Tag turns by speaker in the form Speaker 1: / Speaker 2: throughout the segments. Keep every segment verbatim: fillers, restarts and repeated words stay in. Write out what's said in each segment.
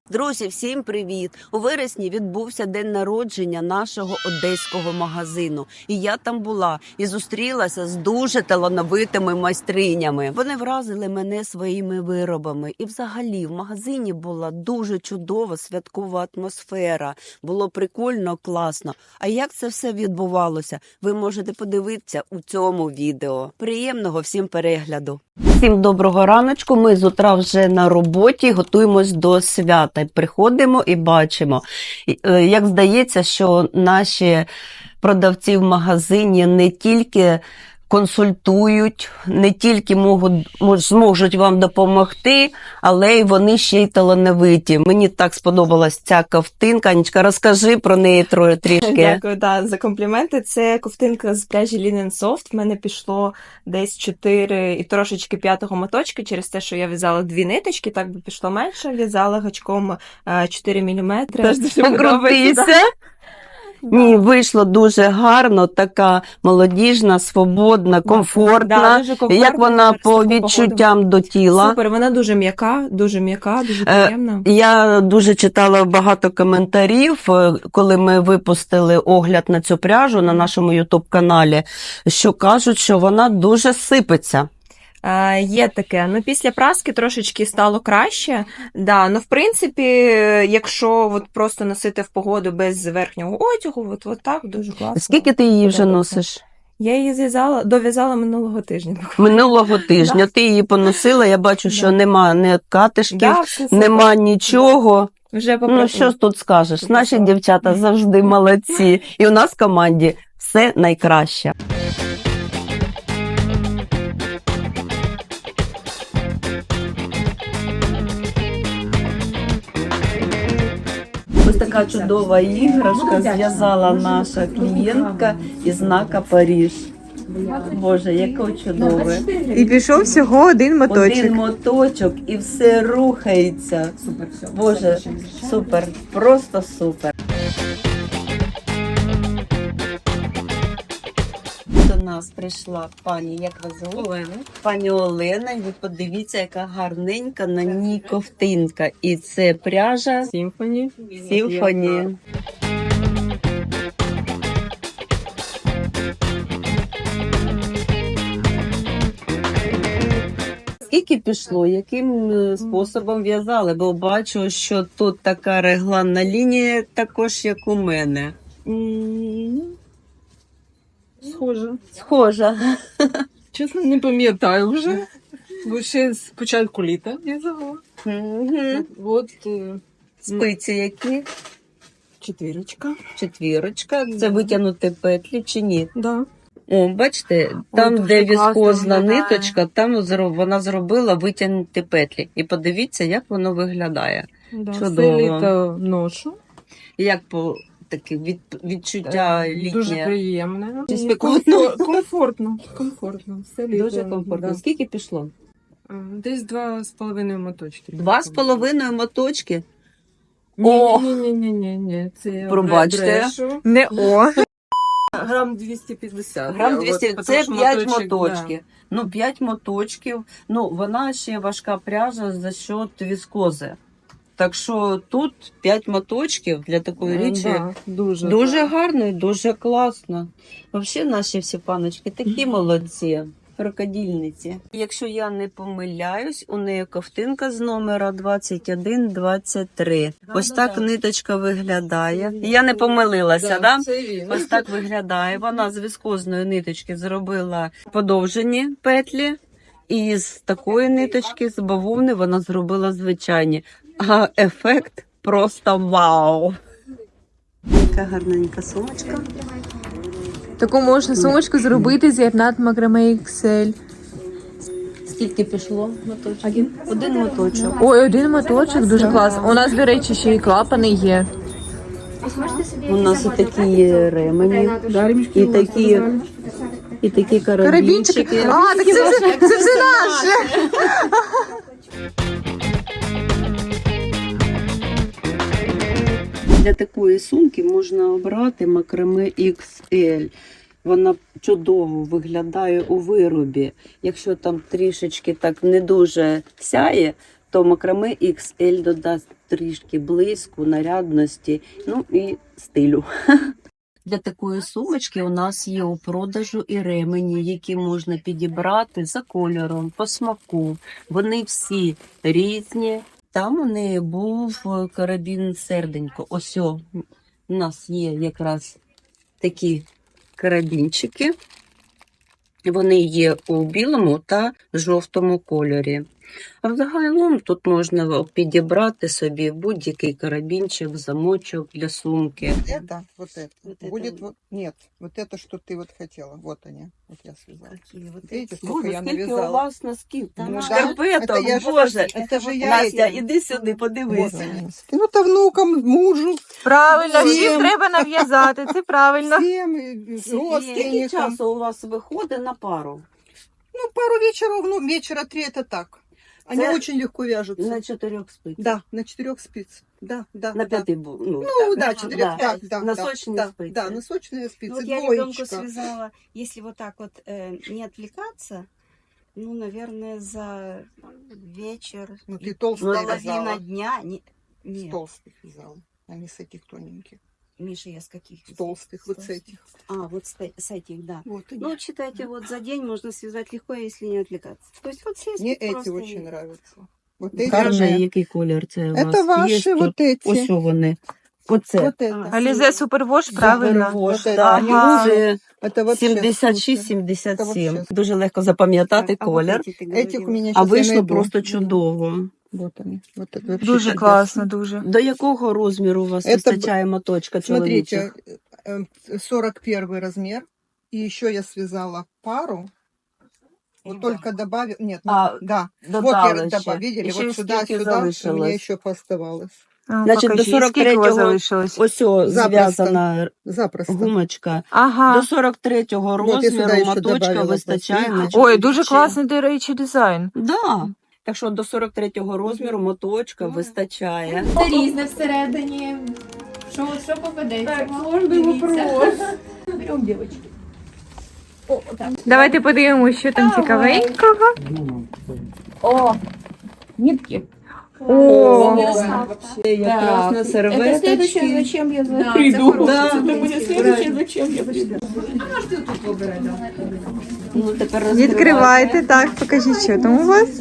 Speaker 1: Друзі, всім привіт! У вересні відбувся день народження нашого одеського магазину. І я там була і зустрілася з дуже талановитими майстринями. Вони вразили мене своїми виробами. І взагалі в магазині була дуже чудова святкова атмосфера. Було прикольно, класно. А як це все відбувалося, ви можете подивитися у цьому відео. Приємного всім перегляду! Всім доброго раночку, ми з утра вже на роботі, готуємось до свята. Приходимо і бачимо, як здається, що наші продавці в магазині не тільки консультують, не тільки можуть, зможуть вам допомогти, але й вони ще й талановиті. Мені так сподобалась ця ковтинка. Анічка, розкажи про неї трішки.
Speaker 2: Дякую, да, за компліменти. Це ковтинка з пряжі Linen Soft. В мене пішло десь чотири і трошечки п'ятого моточки через те, що я в'язала дві ниточки, так би пішло менше. В'язала гачком чотири міліметри.
Speaker 1: Покрутися. Да. Ні, вийшло дуже гарно, така молодіжна, свободна, комфортна. Да, дуже комфортна. Як вона по відчуттям до тіла?
Speaker 2: Супер, вона дуже м'яка, дуже м'яка, дуже приємна.
Speaker 1: Е, я дуже читала багато коментарів, коли ми випустили огляд на цю пряжу на нашому ютуб-каналі, що кажуть, що вона дуже сипеться.
Speaker 2: Uh, є таке. Ну, після праски трошечки стало краще. Да, ну, в принципі, якщо от просто носити в погоду без верхнього одягу, от, от так дуже класно.
Speaker 1: Скільки ти її вже носиш?
Speaker 2: Я її зв'язала, дов'язала минулого тижня.
Speaker 1: Минулого тижня. Да. Ти її поносила, я бачу, що да. нема ні катишків, да, нема нічого. Вже ну, що тут скажеш? Все Наші все. Дівчата завжди молодці. І у нас в команді все найкраще. Ось така чудова іграшка зв'язала наша клієнтка із знака Париж. Боже, яке чудове.
Speaker 2: І пішов всього один моточок.
Speaker 1: Один моточок і все рухається. Супер, все. Боже, супер, просто супер. До нас прийшла пані, як вас звуть? Олена. Пані Олена, і ви подивіться, яка гарненька на ній ковтинка. І це пряжа
Speaker 2: Сімфоні.
Speaker 1: Сімфоні. Скільки пішло? Яким способом в'язали? Бо бачу, що тут така регланна лінія, також як у мене.
Speaker 3: Схожа.
Speaker 1: Схожа.
Speaker 3: Чесно, не пам'ятаю вже, бо ще з початку літа в'язала.
Speaker 1: Угу.
Speaker 3: От
Speaker 1: спиці які?
Speaker 3: Четвірочка.
Speaker 1: Четвірочка. Це витягнути петлі чи ні?
Speaker 3: Да.
Speaker 1: О, бачите, там,
Speaker 3: Ой,
Speaker 1: де віскозна
Speaker 3: виглядає.
Speaker 1: ниточка, там вона зробила витягнути петлі. І подивіться, як воно виглядає.
Speaker 3: Да.
Speaker 1: Чудово.
Speaker 3: Все літо ношу.
Speaker 1: Як по таке від, відчуття літнє?
Speaker 3: Дуже приємне.
Speaker 1: Чи спекотно?
Speaker 3: Комфортно. Комфортно. Все літо.
Speaker 1: Дуже комфортно.
Speaker 3: Да.
Speaker 1: Скільки пішло?
Speaker 3: Десь два з половиною моточки.
Speaker 1: Два з половиною моточки?
Speaker 3: Ні, ні, ні, ні, ні, ні. Це
Speaker 1: пробачте.
Speaker 2: Не о.
Speaker 3: Грам двісті п'ятдесят.
Speaker 1: Грам двісті,
Speaker 3: от,
Speaker 1: це п'ять
Speaker 3: моточок,
Speaker 1: моточків.
Speaker 3: Да.
Speaker 1: Ну, п'ять моточків. Ну, вона ще важка пряжа за счет віскози. Так що тут п'ять моточків для такої річі.
Speaker 3: Да, дуже
Speaker 1: Дуже
Speaker 3: так.
Speaker 1: гарно і дуже класно. Взагалі наші всі паночки такі молодці. Рукодільниці. Якщо я не помиляюсь, у неї ковтинка з номера двадцять один двадцять три. Да, Ось да, так да. ниточка виглядає. Я не помилилася, да?
Speaker 3: Да, це він.
Speaker 1: Ось так виглядає. Вона з віскозної ниточки зробила подовжені петлі. І з такої ниточки, з бавовни, вона зробила звичайні. А ефект просто вау! Яка гарненька сумочка.
Speaker 2: Таку можна сумочку зробити з єрнат макраме ікс ель.
Speaker 1: Скільки пішло моточок? Один. Один моточок.
Speaker 2: Ой, один моточок, дуже класно. У нас, до речі, ще й клапани є.
Speaker 1: У нас і такі ремені, і такі, і такі карабінчики.
Speaker 2: А, так це все, це все наше!
Speaker 1: Для такої сумки можна обрати макраме ікс ель. Вона чудово виглядає у виробі. Якщо там трішечки так не дуже сяє, то макраме ікс ель додасть трішки блиску, нарядності, ну і стилю. Для такої сумочки у нас є у продажу і ремені, які можна підібрати за кольором, по смаку. Вони всі різні. Там у неї був карабін серденько. Ось о, у нас є якраз такі карабінчики. Вони є у білому та жовтому кольорі. А взагалом тут можна підібрати собі будь-який карабінчик, замочок для сумки.
Speaker 4: Это, вот это.
Speaker 1: Вот это
Speaker 4: Будет
Speaker 1: вот.
Speaker 4: вот, нет, вот это, что ты вот хотела. Вот они. Вот я связала.
Speaker 1: Какие вот
Speaker 4: Видите,
Speaker 1: эти?
Speaker 4: сколько
Speaker 1: Боже,
Speaker 4: я
Speaker 1: скільки у
Speaker 4: навязала?
Speaker 1: вас носків?
Speaker 4: Ну
Speaker 1: Ну,
Speaker 4: да.
Speaker 1: шкарпеток,
Speaker 4: Это я же-
Speaker 1: Боже.
Speaker 4: это же я
Speaker 1: Настя,
Speaker 4: этим-
Speaker 1: іди сюди,
Speaker 4: Вот
Speaker 1: подивись.
Speaker 4: они носки. Ну, то внукам, мужу,
Speaker 2: Правильно,
Speaker 4: Всім.
Speaker 2: всім треба нав'язати, це правильно.
Speaker 4: всем, и
Speaker 1: Скільки
Speaker 4: родственникам.
Speaker 1: часу у вас виходить на пару?
Speaker 4: Ну, пару вечеров, ну, вечера три это так. Они
Speaker 1: Это
Speaker 4: очень легко вяжутся.
Speaker 1: На чотирьох спицях.
Speaker 4: Да, на четырех спиц. Да, да.
Speaker 1: На
Speaker 4: да.
Speaker 1: п'яти був. Ну,
Speaker 4: Ну, да,
Speaker 1: так,
Speaker 4: четырех, да, да.
Speaker 1: Носочные
Speaker 4: да,
Speaker 1: спицы.
Speaker 4: Да, носочные спицы,
Speaker 5: Ну, вот я ребенку
Speaker 4: двоечка.
Speaker 5: связала, если вот так вот э, не отвлекаться, ну, наверное, за вечер,
Speaker 4: Ну,
Speaker 5: и
Speaker 4: ты толстая
Speaker 5: половина
Speaker 4: вязала.
Speaker 5: дня. Не,
Speaker 4: С
Speaker 5: нет,
Speaker 4: толстых вязала, а не с этих тоненьких.
Speaker 5: Миша, я с каких?
Speaker 4: С толстых, вот с
Speaker 5: толстых.
Speaker 4: этих.
Speaker 5: А, вот с, те- с этих, да.
Speaker 4: Вот они.
Speaker 5: Ну, считайте, вот за день можно связать легко, если не отвлекаться. То есть вот все
Speaker 4: Мне
Speaker 5: спицы
Speaker 4: эти
Speaker 5: просто
Speaker 4: очень
Speaker 5: и-
Speaker 4: нравятся. Вот эти.
Speaker 1: Гарний, який колір це у вас?
Speaker 4: Это ваши
Speaker 1: Є
Speaker 4: вот
Speaker 1: тут?
Speaker 4: эти.
Speaker 1: Ось вони. Оце.
Speaker 4: Вот это.
Speaker 2: Алізе Супервош, правильно.
Speaker 1: Супервош,
Speaker 4: Вот это.
Speaker 1: так.
Speaker 2: Ага.
Speaker 1: Це
Speaker 4: Это вообще
Speaker 1: сімдесят шість
Speaker 4: супер.
Speaker 1: сімдесят
Speaker 4: Це
Speaker 1: сім.
Speaker 4: вообще
Speaker 1: Дуже легко запам'ятати
Speaker 5: А вот
Speaker 1: колір.
Speaker 5: эти ты
Speaker 4: Этих у
Speaker 5: говорила.
Speaker 4: меня
Speaker 1: А
Speaker 4: сейчас
Speaker 1: вийшло просто чудово.
Speaker 4: Вот они. Вот это вообще
Speaker 2: Дуже
Speaker 4: чудесно.
Speaker 2: класно, дуже.
Speaker 1: До якого розміру у вас
Speaker 4: Это
Speaker 1: вистачає моточка
Speaker 4: Смотрите,
Speaker 1: чоловічих?
Speaker 4: э, сорок первый размер. И еще я связала пару. Вот только добавил. Нет, ну,
Speaker 1: А,
Speaker 4: да. Вот
Speaker 1: Додали
Speaker 4: я
Speaker 1: ще.
Speaker 4: добавила. Видели,
Speaker 1: І ще
Speaker 4: вот сюда,
Speaker 1: скільки
Speaker 4: сюда. У меня
Speaker 1: залишилось?
Speaker 4: еще пооставалось.
Speaker 2: А,
Speaker 1: Значить, до
Speaker 2: покажіть,
Speaker 1: сорок
Speaker 2: скільки у вас
Speaker 1: третього
Speaker 2: залишилось?
Speaker 1: Ось о,
Speaker 4: Запросто.
Speaker 1: зв'язана
Speaker 4: Запросто.
Speaker 1: гумочка.
Speaker 2: Ага.
Speaker 1: До сорок третього
Speaker 4: Вот я сюди
Speaker 1: розміру
Speaker 4: ще
Speaker 1: моточка
Speaker 4: добавила
Speaker 1: вистачає на
Speaker 4: пластинки.
Speaker 2: Ой, дуже
Speaker 1: чоловічі.
Speaker 2: класний, до речі, дизайн.
Speaker 1: Да. Так що до сорок третього розміру моточка вистачає.
Speaker 6: Це різне всередині. Що, що попадеться? Кожний вопрос. Беремо, дівчатки. О, так.
Speaker 2: Давайте подивимося, що там цікавенького.
Speaker 6: О, нитки.
Speaker 2: О,
Speaker 1: Це якраз на
Speaker 6: Это следующее,
Speaker 1: серветочки.
Speaker 6: зачем я за...
Speaker 1: Прийду.
Speaker 6: Да,
Speaker 1: Да.
Speaker 6: це буде следующее, зачем я прийду.
Speaker 1: Ну, тепер
Speaker 2: відкривайте, так, покажіть, що там у вас.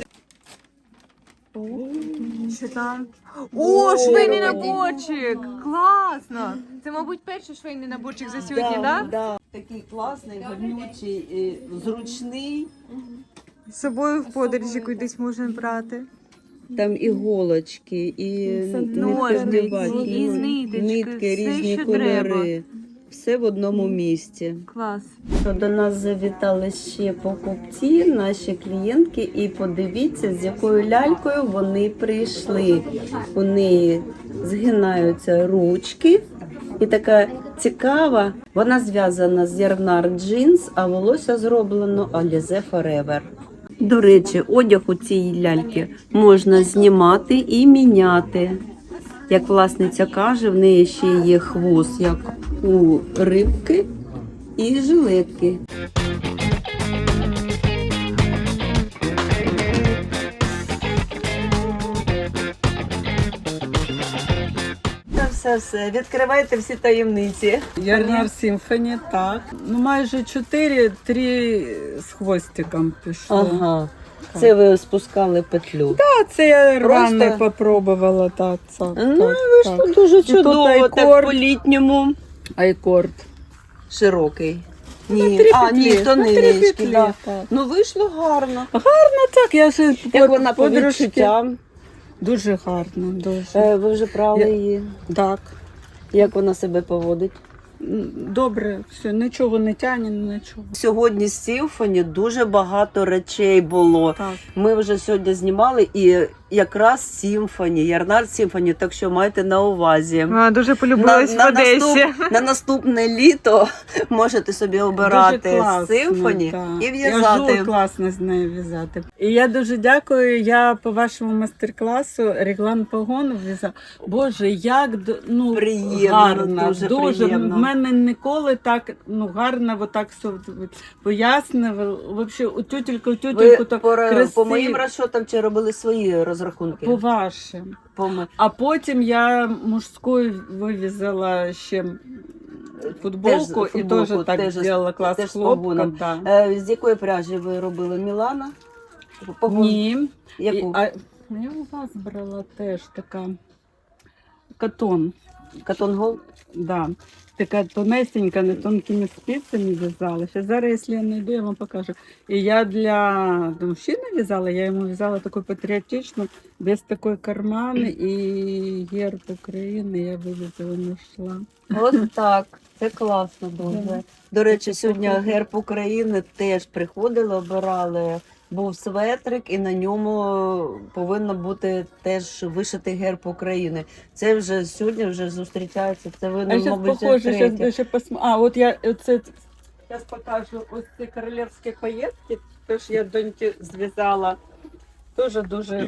Speaker 2: Що там? О, швейний наборчик! Класно! Це, мабуть, перший швейний наборчик за сьогодні, так?
Speaker 1: Да. Такий класний, гарнючий, і зручний.
Speaker 2: З собою в подорожі кудись можна брати.
Speaker 1: Там іголочки, і
Speaker 2: Ножниці,
Speaker 1: нитки,
Speaker 2: і ниточки,
Speaker 1: нитки,
Speaker 2: все,
Speaker 1: різні
Speaker 2: що
Speaker 1: кольори. Все в одному місці.
Speaker 2: Клас.
Speaker 1: До нас завітали ще покупці, наші клієнтки, і подивіться, з якою лялькою вони прийшли. У неї згинаються ручки, і така цікава. Вона зв'язана з Ярнар Джинс, а волосся зроблено Alize Forever. До речі, одяг у цій ляльки можна знімати і міняти. Як власниця каже, в неї ще є хвост, як у рибки, і жилетки. Все, все, відкривайте всі таємниці.
Speaker 3: Ярнар Сімфоні, так. Ну, майже чотири, три з хвостиком пішло.
Speaker 1: Ага. Це ви спускали петлю.
Speaker 3: А це я рваний
Speaker 1: Просто-
Speaker 3: попробувала, так. так,
Speaker 1: Ну,
Speaker 3: так,
Speaker 1: вийшло
Speaker 3: так.
Speaker 1: дуже
Speaker 3: тут
Speaker 1: чудово, так
Speaker 3: айкорд.
Speaker 1: по-літньому.
Speaker 3: Айкорд.
Speaker 1: Широкий. Ні,
Speaker 3: три
Speaker 1: а,
Speaker 3: петлі,
Speaker 1: ні, то
Speaker 3: на три
Speaker 1: невеличкий,
Speaker 3: петлі,
Speaker 1: да.
Speaker 3: так.
Speaker 1: Ну, вийшло гарно.
Speaker 3: Так, я ж
Speaker 1: Як вона по
Speaker 3: подружки.
Speaker 1: відчуттям?
Speaker 3: Дуже гарно, дуже.
Speaker 1: Е, Ви вже прали
Speaker 3: Я-
Speaker 1: її.
Speaker 3: Так.
Speaker 1: Як вона себе поводить?
Speaker 3: М, Добре, все, нічого не тягне, нічого.
Speaker 1: Сьогодні з Сімфоні дуже багато речей було.
Speaker 3: Так.
Speaker 1: Ми вже сьогодні знімали і якраз Сімфоні, Ярнар Сімфоні, так що майте на увазі.
Speaker 2: А, дуже полюбилась в Одесі.
Speaker 1: наступ- на наступне літо можете собі обирати
Speaker 3: Дуже класно,
Speaker 1: Симфоні
Speaker 3: так.
Speaker 1: і
Speaker 3: Я
Speaker 1: в'язати.
Speaker 3: дуже класно з нею в'язати. І я дуже дякую. Я по вашому майстер-класу реглан погон в'язала. Боже, як д- ну,
Speaker 1: Приємно,
Speaker 3: гарно,
Speaker 1: дуже
Speaker 3: дуже.
Speaker 1: приємно.
Speaker 3: В мене
Speaker 7: мене ніколи так ну, гарно вот так все пояснювали. Вообще, у тютелька, у
Speaker 1: Ви
Speaker 7: тютельку так
Speaker 1: по, по
Speaker 7: красиво.
Speaker 1: моїм розчотам чи робили свої розрахунки?
Speaker 7: По вашим.
Speaker 1: По м-
Speaker 7: А потім я мужською вивізала ще футболку,
Speaker 1: Теж
Speaker 7: і
Speaker 1: футболку,
Speaker 7: теж так
Speaker 1: теж з-
Speaker 7: зробила клас
Speaker 1: теж з
Speaker 7: хлопка.
Speaker 1: погоном.
Speaker 7: Да.
Speaker 1: Е, з якої пряжі ви робили? Мілана? Погон?
Speaker 7: Ні.
Speaker 1: Яку?
Speaker 7: І, а, я у вас брала теж така катон.
Speaker 1: Катон Гол?
Speaker 7: Да. Така тонесенька, не тонкими спицями в'язала. Ще зараз, якщо я знайду, я вам покажу. І я для мужчини в'язала, я йому в'язала таку патріотичну, без такої кармани і герб України я вивезла, знайшла.
Speaker 1: Ось так. Це класно дуже.
Speaker 7: Да.
Speaker 1: До речі, сьогодні герб України теж приходили, обирали. Був светрик, і на ньому повинно бути теж вишитий герб України. Це вже сьогодні вже зустрічається. Це ви,
Speaker 7: А
Speaker 1: ну,
Speaker 7: зараз
Speaker 1: мабуть, вже
Speaker 7: похоже,
Speaker 1: втретє.
Speaker 7: зараз ще посм... А, от я оце зараз покажу ось ці королівські поїздки. Теж я доньки зв'язала. Дуже дуже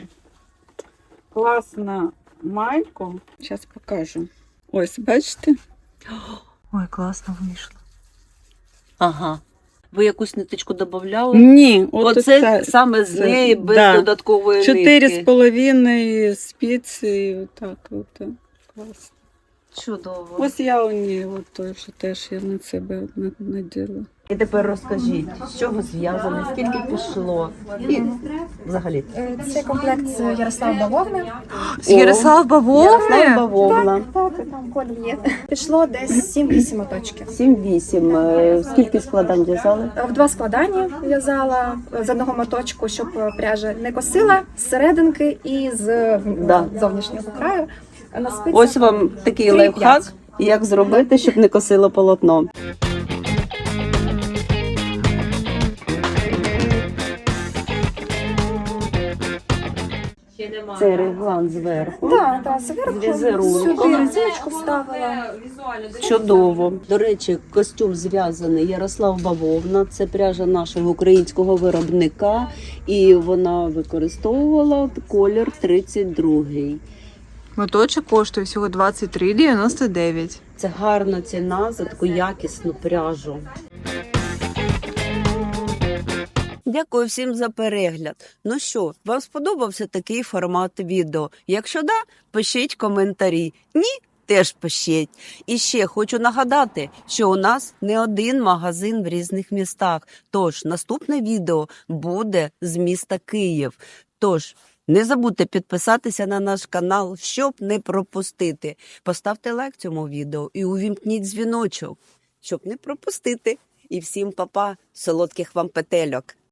Speaker 7: класна майку. Зараз покажу. Ось, бачите?
Speaker 2: Ой, класно вийшло.
Speaker 1: Ага. Ви якусь ниточку додавали?
Speaker 7: Ні, от
Speaker 1: Оце
Speaker 7: це
Speaker 1: саме з
Speaker 7: це-
Speaker 1: неї без
Speaker 7: да.
Speaker 1: додаткової
Speaker 7: чотири з
Speaker 1: нитки.
Speaker 7: половиною спиці. Отак от. Класно.
Speaker 1: Чудово.
Speaker 7: Ось я у ній, от той, що теж я на себе на- наділа.
Speaker 1: І тепер розкажіть, з чого зв'язане, скільки пішло? І взагалі.
Speaker 8: Це комплект з Ярослав Бавовни.
Speaker 2: З Ярослав Бавовни?
Speaker 1: Ярослав Бавовна.
Speaker 8: Так, там колі є. Пішло десь сім-вісім моточків.
Speaker 1: сім-вісім. Е, Скільки складань в'язали?
Speaker 8: В два складання в'язала з одного моточку, щоб пряжа не косила з серединки і з е,
Speaker 1: Да.
Speaker 8: зовнішнього краю. На спицях
Speaker 1: Ось вам такий
Speaker 8: три
Speaker 1: лайфхак,
Speaker 8: п'ять.
Speaker 1: як зробити, щоб не косило полотно. Це реглан зверху.
Speaker 8: Так, так, зверху
Speaker 1: З візерунком.
Speaker 8: сюди резиночку вставила.
Speaker 1: Чудово. До речі, костюм зв'язаний Ярослав Бавовна. Це пряжа нашого українського виробника. І вона використовувала колір тридцять другий.
Speaker 2: Моточок коштує всього двадцять три дев'яносто дев'ять.
Speaker 1: Це гарна ціна за таку якісну пряжу. Дякую всім за перегляд. Ну що, вам сподобався такий формат відео? Якщо да, пишіть коментарі. Ні? Теж пишіть. І ще хочу нагадати, що у нас не один магазин в різних містах. Тож наступне відео буде з міста Київ. Тож не забудьте підписатися на наш канал, щоб не пропустити. Поставте лайк цьому відео і увімкніть дзвіночок, щоб не пропустити. І всім па-па, солодких вам петельок.